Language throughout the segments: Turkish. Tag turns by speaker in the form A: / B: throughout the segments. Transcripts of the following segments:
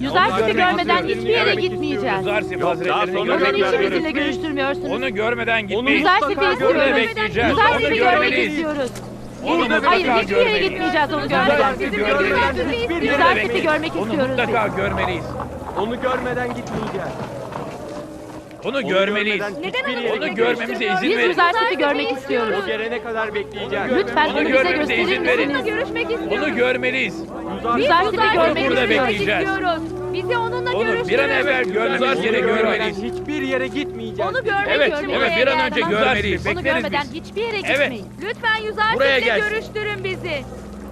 A: Yüzarsif'i görmeden hiçbir yere gitmeyeceğiz.
B: Yüzarsif Hazretlerini
A: Neden
B: görmek
A: hiç bizimle
B: istiyoruz.
A: görüştürmüyorsunuz?
B: Onu görmeden gitmeyiz.
A: Yüzarsif'i
B: Burada
A: istiyoruz.
B: bekleyeceğiz. Onu
A: Yüzarsif'i görmek
B: görmeliyiz.
A: istiyoruz.
B: Onu
A: Hayır,
B: mutlaka
A: hiçbir yere
B: görmeliyiz.
A: gitmeyeceğiz onu görmeden.
B: Yüzarsif'i görmeliyiz.
A: Yüzarsif'i görmek
B: Onu
A: istiyoruz.
B: mutlaka görmeliyiz.
C: Onu görmeden gitmeyeceğiz.
B: Onu görmeliyiz. Onu görmemize izin
A: Biz
B: verin.
A: Yüzarsif'i görmek istiyoruz.
C: O gelene kadar bekleyeceğiz.
A: Lütfen
B: Onu
A: onu bize
B: görmemize
A: gösterir
B: izin verin.
A: misiniz?
D: Görüşmek istiyoruz.
B: Onu görmeliyiz.
A: Yüzarsif'i görmek
B: Burada
A: istiyoruz.
B: bekleyeceğiz.
D: Bizi onunla
B: Onu bir an evvel görmemiz gerekiyor.
C: Hiçbir yere gitmeyeceğiz.
D: Onu görmek
B: Evet,
D: için
B: evet
D: buraya
B: bir an
D: geldim.
B: önce görmeliyiz.
A: Onu
B: Bekleriz
A: görmeden
B: biz.
A: hiçbir yere
B: Evet.
A: gitmeyin.
D: Lütfen
B: Buraya
D: Yüzarsif'le
B: gelsin.
D: görüştürün bizi.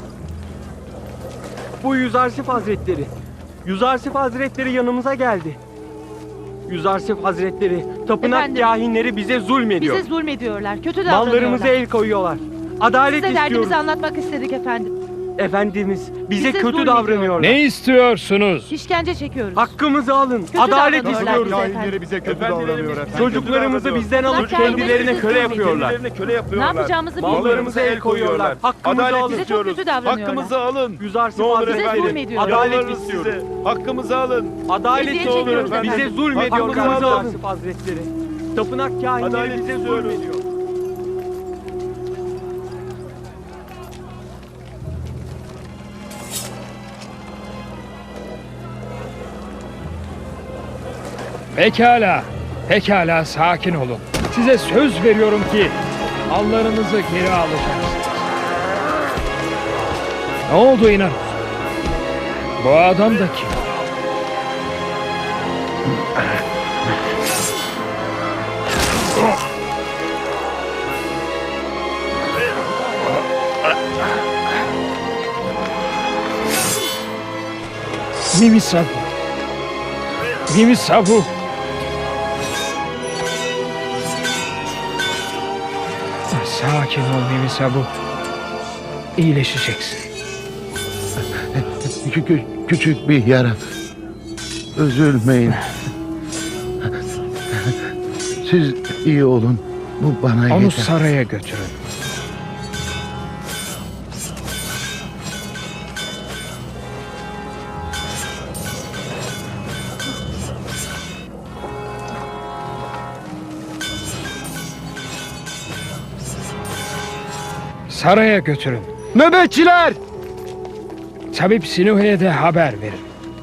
C: Bu Yüzarsif Hazretleri. Yüzarsif Hazretleri yanımıza geldi. Yüzarsif Hazretleri, tapınak
A: Efendim?
C: kahinleri bize zulmediyor.
A: Bize zulmediyorlar, kötü davranıyorlar.
C: Mallarımıza el koyuyorlar. Adalet
A: Size derdimizi
C: istiyoruz.
A: anlatmak istedik efendim.
C: Efendimiz, bize
A: Bize
C: kötü
A: zulmediyor.
C: davranıyorlar.
E: Ne istiyorsunuz?
A: İşkence çekiyoruz.
C: Hakkımızı alın.
A: Kötü
C: Adalet
A: davranıyorlar
C: istiyoruz.
A: bize efendim.
F: bize kötü davranıyor efendim.
C: Çocuklarımızı bizden alıp
A: Bırak yani,
C: kendilerine
A: bizi
C: köle
A: zulmediyor.
C: yapıyorlar.
F: Kendilerine köle
A: Ne
F: yapıyorlar.
A: yapacağımızı bilmiyoruz.
C: Mallarımıza el koyuyorlar. Hakkımızı
F: Adalet
C: alın.
A: Bize çok
F: istiyoruz.
A: kötü davranıyorlar.
F: Hakkımızı alın.
C: Yüzarsif
F: Ne olur
A: Bize
C: Hazretleri,
A: zulmediyorlar.
C: adalet
F: Yalvarırız
C: istiyoruz.
F: size. Hakkımızı alın.
C: Adalet
A: Eziyet
C: istiyoruz.
A: çekiyoruz
C: Bize
A: efendim.
C: zulmediyorlar.
F: Hakkımızı alın.
C: Yüzarsif Hazretleri. Tapınak kahinleri
F: Adalet
C: bize
F: istiyoruz.
C: zulmediyor.
E: Pekala, pekala sakin olun. Size söz veriyorum ki mallarınızı geri alacaksınız. Ne oldu inan? Bu adam da kim? Mimisabu. Mimisabu. Sakin ol Mimisabu. İyileşeceksin.
G: Küçük bir yara. Üzülmeyin. Siz iyi olun. Bu bana
E: Onu
G: yeter.
E: saraya götürün. Saraya götürün.
C: Nöbetçiler!
E: Tabip Sinuhe'ye de haber verin.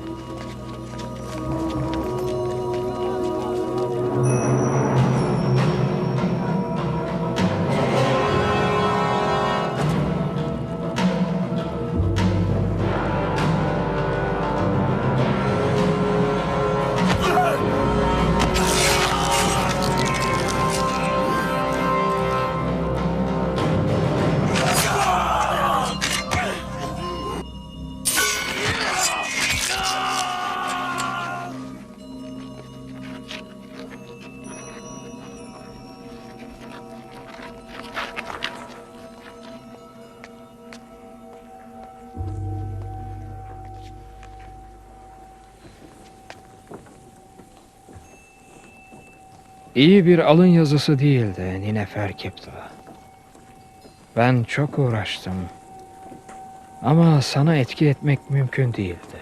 E: İyi bir alın yazısı değildi Ninefer Kiptah. Ben çok uğraştım. Ama sana etki etmek mümkün değildi.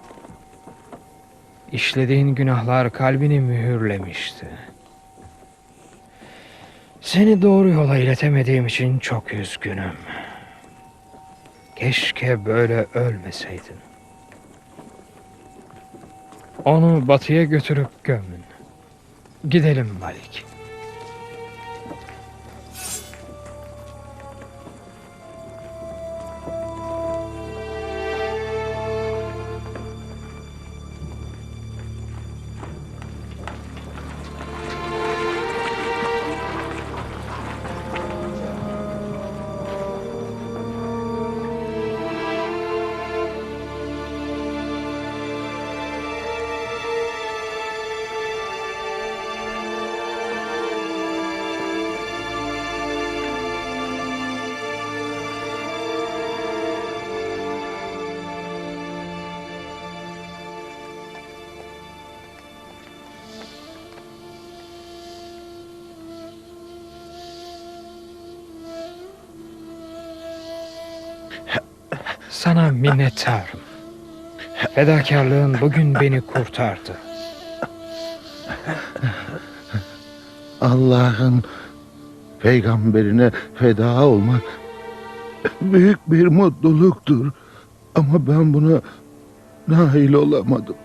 E: İşlediğin günahlar kalbini mühürlemişti. Seni doğru yola iletemediğim için çok üzgünüm. Keşke böyle ölmeseydin. Onu batıya götürüp gömün. Gidelim Malik. Sana minnettarım. Fedakarlığın bugün beni kurtardı.
G: Allah'ın peygamberine feda olmak büyük bir mutluluktur. Ama ben buna nail olamadım.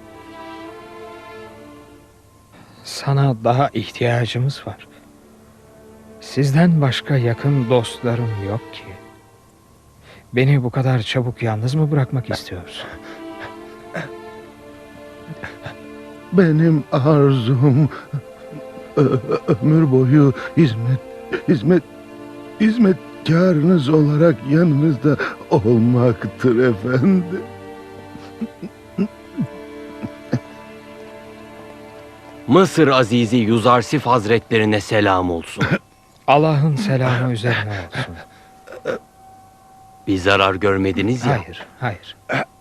E: Sana daha ihtiyacımız var. Sizden başka yakın dostlarım yok ki. Beni bu kadar çabuk yalnız mı bırakmak istiyorsun?
G: Benim arzum ömür boyu hizmetkarınız olarak yanınızda olmaktır efendim.
H: Mısır Azizi Yuzarsif Hazretlerine selam olsun.
E: Allah'ın selamı üzerine olsun.
H: Bir zarar görmediniz ya.
E: Hayır, hayır.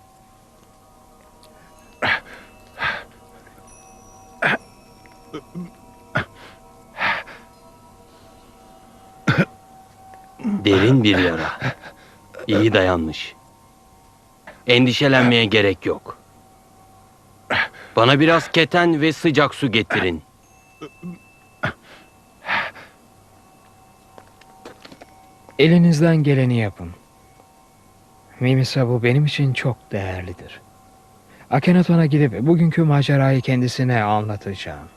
H: Derin bir yara. İyi dayanmış. Endişelenmeye gerek yok. Bana biraz keten ve sıcak su getirin.
E: Elinizden geleni yapın. Mimisa bu benim için çok değerlidir. Akhenaton'a gidip bugünkü macerayı kendisine anlatacağım.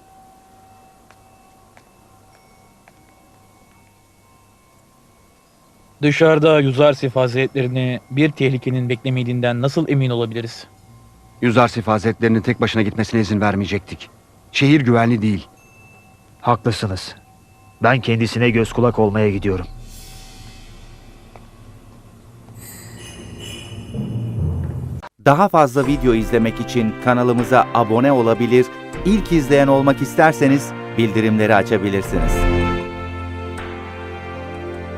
B: Dışarıda Yuzarsif Hazretlerini bir tehlikenin beklemediğinden nasıl emin olabiliriz?
I: Yüzarsif Hazretlerinin tek başına gitmesine izin vermeyecektik. Şehir güvenli değil.
J: Haklısınız. Ben kendisine göz kulak olmaya gidiyorum.
K: Daha fazla video izlemek için kanalımıza abone olabilir, ilk izleyen olmak isterseniz bildirimleri açabilirsiniz.